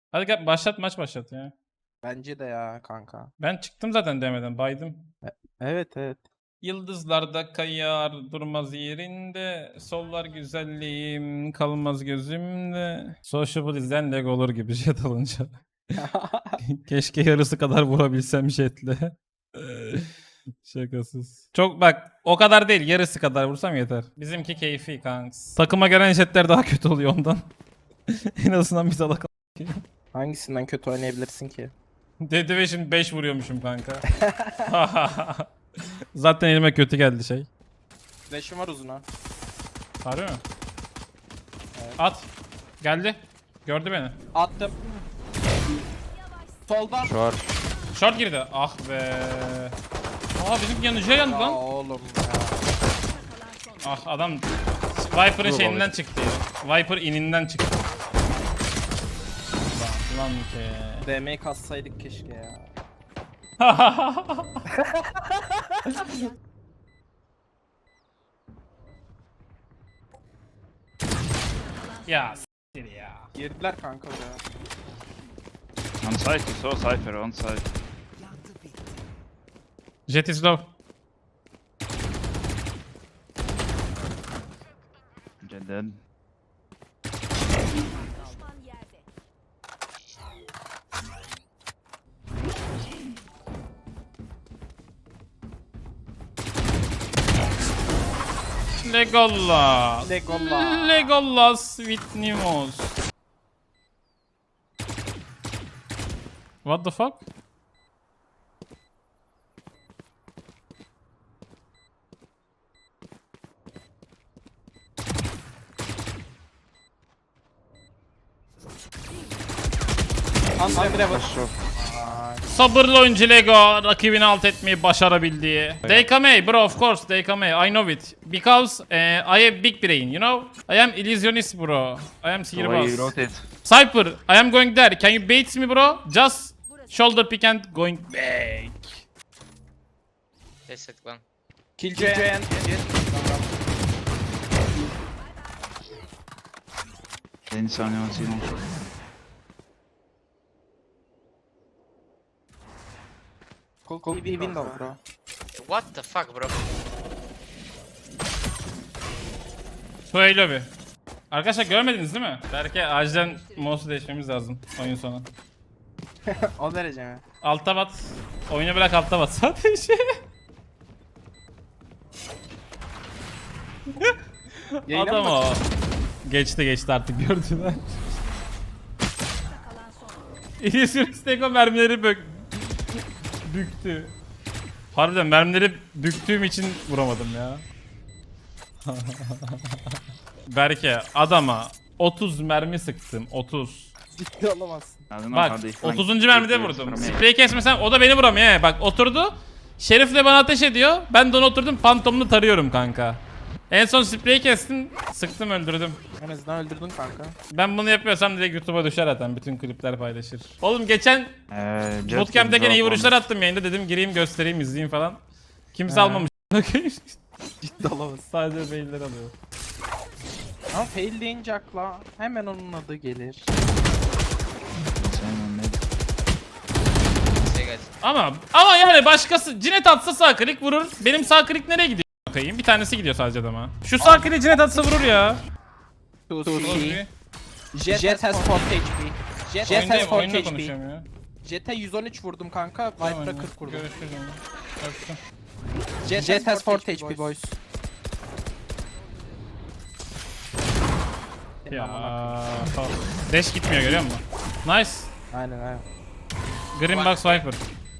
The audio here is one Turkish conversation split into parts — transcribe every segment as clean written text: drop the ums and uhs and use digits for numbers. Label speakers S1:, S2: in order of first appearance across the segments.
S1: Hadi gel başlat, maç başlat ya.
S2: Bence de ya kanka.
S1: Ben çıktım zaten demeden, baydım.
S2: Evet evet.
S1: Yıldızlarda kayar durmaz yerinde, sollar güzelliğim kalmaz gözümde. Sociable izleyen leg olur gibi jet alınca. Keşke yarısı kadar vurabilsem jetle. Şakasız. Çok bak, o kadar değil, yarısı kadar vursam yeter. Bizimki keyfi kanks. Takıma gelen jetler daha kötü oluyor ondan. En azından bir salak.
S2: Hangisinden kötü oynayabilirsin ki?
S1: Dedi ve şimdi 5 vuruyormuşum kanka. Zaten elime kötü geldi şey.
S2: Flash'ım var uzuna.
S1: Harbi mi?
S2: Evet.
S1: At. Geldi. Gördü beni.
S2: Attım. Solda.
S1: Short girdi. Ah be. Aa, bizim yanıcıya yandı
S2: Ya
S1: lan.
S2: oğlum ya.
S1: Ah, adam Viper'ın şeyinden çıktı ya. Viper ininden çıktı. Lan ki.
S2: DM'yi kassaydık keşke ya.
S1: Ya s**tir ya.
S2: Girdiler kanka oraya.
S3: On site, you saw Cypher on site.
S1: Jet is low.
S3: Jet dead.
S1: Legolas.
S2: Legolas.
S1: Legolas with Nimos. What the fuck?
S2: Andre var.
S1: Sabırlı oyuncu Lego rakibini alt etmeyi başarabildiği. They come A bro, of course they come A. I know it. Because I have big brain, you know? I am illusionist bro. I am
S3: The way you
S1: sihirbaz.
S3: wrote it.
S1: Cypher, I am going there. Can you bait me bro? Just shoulder pick and going back.
S4: Destek lan.
S2: Killjoy.
S3: Deniz animasyonu.
S2: Cool bir window bro.
S4: What the fuck bro?
S1: Söyle bir. Arkadaşlar görmediniz değil mi? Belki acilen mouse'u değişmemiz lazım oyun sonu.
S2: O derece mi?
S1: Alta bat. Oyunu bırak, alta bat sadece.
S2: Yayına
S1: Adam
S2: mı
S1: o. Geçti artık gördüler. İlyas'ın Stego mermileri büktü. Harbiden mermileri büktüğüm için vuramadım ya. Berke adama 30 mermi sıktım, 30.
S2: Ciddi olamazsın.
S3: I don't know
S1: Bak
S3: how they flank
S1: 30. mermide
S3: players
S1: vurdum.
S3: from A.
S1: Sprey kesmesem o da beni vuramıyor he. Bak oturdu. Şerif'le bana ateş ediyor. Ben de ona oturdum, pantomunu tarıyorum kanka. En son spreyi kestim, sıktım, öldürdüm.
S2: En azından öldürdün kanka.
S1: Ben bunu yapıyorsam direkt YouTube'a düşer zaten, bütün klipler paylaşır. Oğlum geçen
S3: Jet
S1: bootcamp'te
S3: can
S1: gene iyi
S3: drop
S1: vuruşlar
S3: on-
S1: attım yayında, dedim gireyim göstereyim izleyeyim falan. Kimse
S2: He.
S1: almamış.
S2: Ciddi olamazsın.
S1: Sadece beyler alıyor.
S2: Ama fail deyince akla hemen onun adı gelir.
S3: Same on mid.
S4: Say guys.
S1: Ama yani başkası cinet atsa sağ klik vurur. Benim sağ klik nereye gidiyor bakayım? Bir tanesi gidiyor sadece adama. Şu sağ kliği cinet atsa vurur ya.
S2: Tusi. Jet has 4 HP. Jet has 4
S1: Oyunda
S2: HP.
S1: konuşuyorum ya.
S2: Jet'e 113 vurdum kanka. Viper'a 40 vurdum.
S1: Görüşürüz. Öptüm.
S2: Jet has 4 HP boys.
S1: Ya. Dash gitmiyor, görüyor musun? Nice.
S2: Aynen.
S1: Green Box Viper.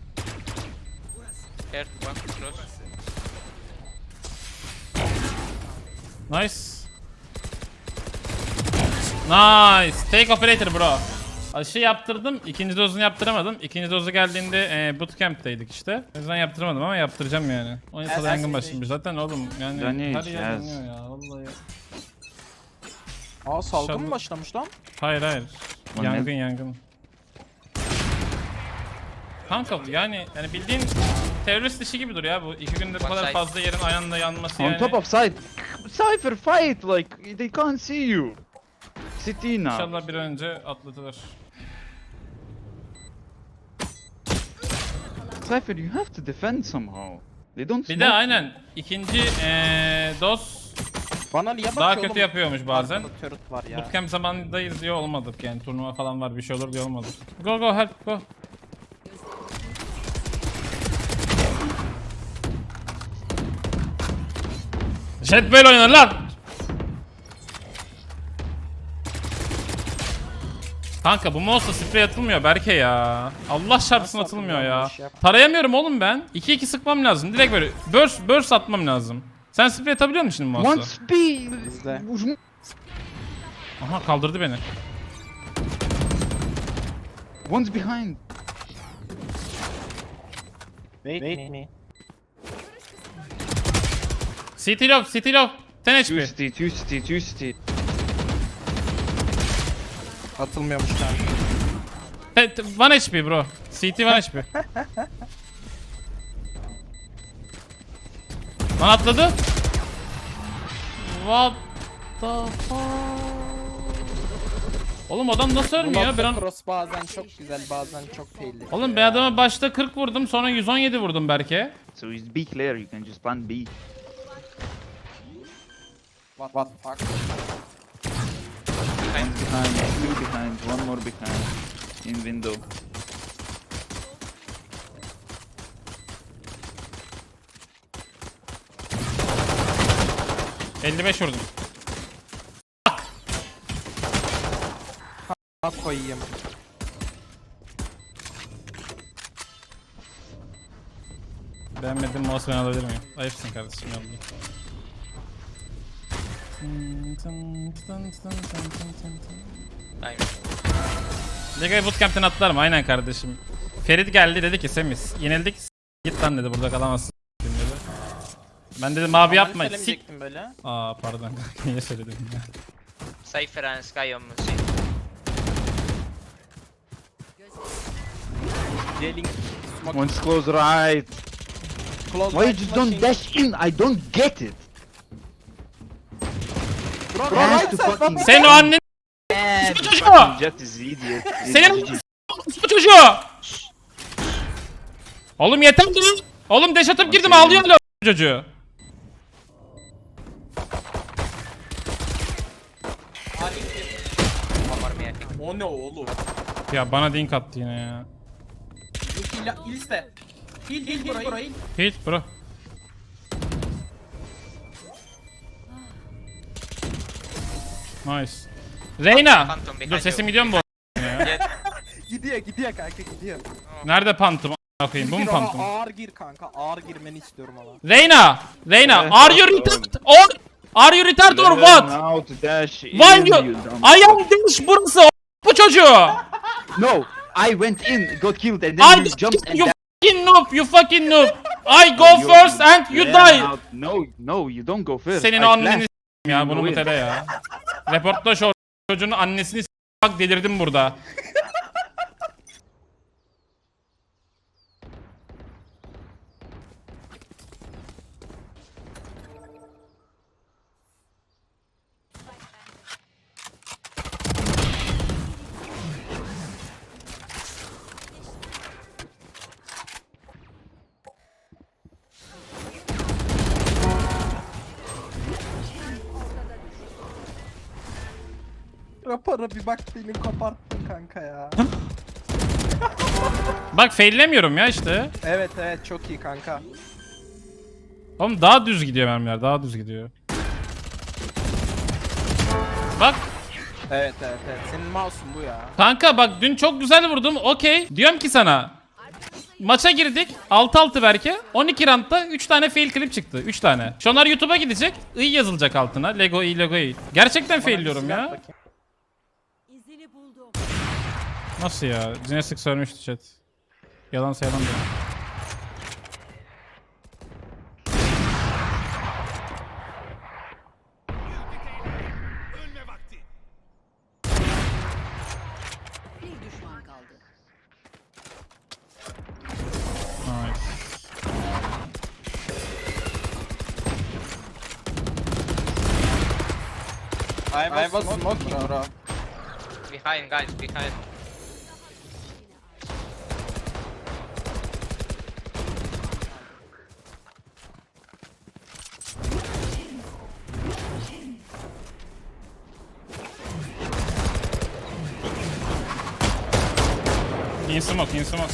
S4: Here, one close.
S1: Nice. Nice. Take operator bro. Aşı yaptırdım. İkinci dozunu yaptıramadım. İkinci dozu geldiğinde bootcamp'teydik işte. O yüzden yaptıramadım ama yaptıracağım yani. Oyun sonu yangın başlamış zaten oğlum. Yani
S3: Dönüyor,
S1: her yer
S3: yes.
S1: dönüyor ya vallahi.
S2: Aa salgın
S1: İnşallah.
S2: mı başlamış lan?
S1: Hayır.
S3: O
S1: Yangın
S3: ne?
S1: yangın. Kanka yani bildiğin terörist işi gibi dur ya bu. 2 günde bu
S4: One
S1: kadar
S4: side.
S1: fazla yerin ayağında yanması
S3: On
S1: yani.
S3: top of site. Cypher fight like they can't see you. City now.
S1: İnşallah bir an önce atlatılır.
S3: Cypher, you have to defend somehow. They don't
S1: Bir
S3: smoke
S1: de
S3: you.
S1: aynen ikinci DOS
S2: Bana niye bakıyor
S1: daha
S2: oğlum?
S1: kötü yapıyormuş bazen.
S2: Arkada turret var ya.
S1: Bootcamp zamanındayız diye olmadık yani turnuva falan var bir şey olur diye olmadık. Go go help go. Jet böyle oynar lan. Kanka bu mouse'la sprey atılmıyor Berke ya. Allah çarpsın
S2: Nasıl
S1: atılmıyor
S2: atılmıyor
S1: ya.
S2: bu iş ya?
S1: Tarayamıyorum oğlum ben. 2-2 sıkmam lazım. Direkt böyle burst atmam lazım. Sen sprey atabiliyor musun şimdi
S3: One
S1: mouse'la?
S3: speed.
S2: Bizde.
S1: Aha kaldırdı beni.
S3: One's behind.
S2: Wait me.
S1: CT low, CT low. 10 HP.
S3: Two city.
S2: Atılmıyormuş kanka.
S1: 1 HP bro. CT 1 HP. Lan atladı. What the fuck? Oğlum adam nasıl
S2: Bu
S1: ölmüyor? Ben
S2: nokta
S1: an-
S2: cross bazen çok güzel bazen çok tehlikeli.
S1: Oğlum ben adama başta 40 vurdum sonra 117 vurdum Berke.
S3: So he's B clear. You can just plant B.
S2: What the fuck?
S3: One's behind. Two behind. One more behind. In window.
S1: ...55 vurdum.
S2: Ha koyayım.
S1: Beğenmedim mouse ben alabilir miyim? Ayıpsın kardeşim yolda.
S4: Time.
S1: Lega'yı bootcamp'ten atlarım aynen kardeşim. Ferit geldi dedi ki Semis yenildik git lan dedi burada kalamazsın dedi. Ben dedim abi yapma sik.
S2: Söylemeyecektim böyle.
S1: Aa pardon niye söyledim ya.
S4: Cypher and Sky on C.
S2: Jailing smoke
S3: One's close right.
S2: close.
S3: Why you
S2: right
S3: just don't
S2: flashing.
S3: dash in? I don't get it.
S2: Bro,
S3: You have
S2: right
S3: to
S2: side,
S3: fucking-
S2: bak-
S1: Senin o annen
S3: The
S1: çocuğu!
S3: fucking Jet is idiot.
S1: Senin bu çocuğu! Oğlum yeter lan! Oğlum deş atıp girdim ağlıyor hala çocuğu.
S4: One more me, I think.
S2: O ne oğlum?
S1: Ya bana dink attı yine ya.
S2: İliste. Hil bro hil.
S1: Hiç bro. Nice. Reyna!
S4: Phantom behind
S1: Dur sesim
S4: you.
S1: gidiyor mu bu?
S4: Jet.
S2: Gidiyor kanka gidiyor.
S1: Nerede pantum? A**ına koyayım bu mu
S2: Gir
S1: pantum?
S2: ona, ağır gir kanka ağır girmeni istiyorum ama.
S1: Reyna! Reyna!
S3: Evet,
S1: Are you
S3: oğlum.
S1: retard or are you retard or what?
S3: Now to dash in,
S1: Why you?
S3: dumb
S1: I am this burası bu çocuğu.
S3: No, I went in, got killed, and then
S1: I
S3: you jumped and
S1: you
S3: dashed.
S1: fucking noob, you fucking noob. I go
S3: You-
S1: first and you
S3: Yeah,
S1: die.
S3: No, you don't go first.
S1: Senin
S3: I
S1: anneni
S3: flashed.
S1: s**eyim ya bunu
S3: You
S1: mutele ya. Reportla şu çocuğun annesini bak delirdim burada.
S2: Rapora bir bak beni koparttın kanka ya.
S1: Bak faillemiyorum ya işte.
S2: Evet çok iyi kanka.
S1: Oğlum daha düz gidiyor mermiler daha düz gidiyor. Bak
S2: Evet. Senin mouse'un bu ya.
S1: kanka bak dün çok güzel vurdum okey. Diyorum ki sana. Maça girdik 6-6 belki 12 roundda 3 tane fail clip çıktı 3 tane. Şunlar YouTube'a gidecek I yazılacak altına Lego I. Gerçekten failliyorum
S2: Bana bir
S1: ya.
S2: silah bakayım.
S5: İzini buldum.
S1: Nasıl ya? Cinesik söylemişti chat. Yalansa yalan diyor.
S5: Bir düşman kaldı.
S1: Nice.
S2: I was smoking bro.
S4: Behind, guys, behind.
S1: In smoke, in smoke.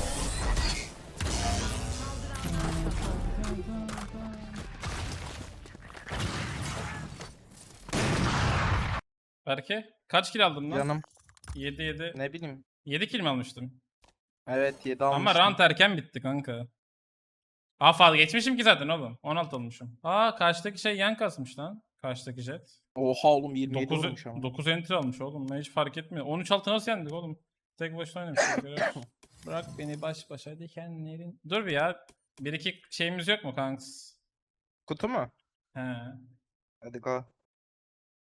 S1: Berke kaç kill aldın lan?
S2: Canım
S1: 7.
S2: ne bileyim.
S1: 7 kill mi almıştım?
S2: Evet 7
S1: Ama
S2: almıştım.
S1: round erken bitti kanka. Fazla geçmişim ki zaten oğlum. 16 olmuşum. Karşıdaki şey yan kasmış lan. Karşıdaki jet.
S2: Oha oğlum 27
S1: 9,
S2: olmuş ama.
S1: 9 entry almış oğlum. Ben hiç fark etmiyor. 13 altı nasıl yendik oğlum? Tek başına oynamışız. görüyoruz. Bırak beni baş başa dikenlerin. Dur bir ya. Bir iki şeyimiz yok mu kanks?
S2: Kutu mu?
S1: He.
S2: Hadi go.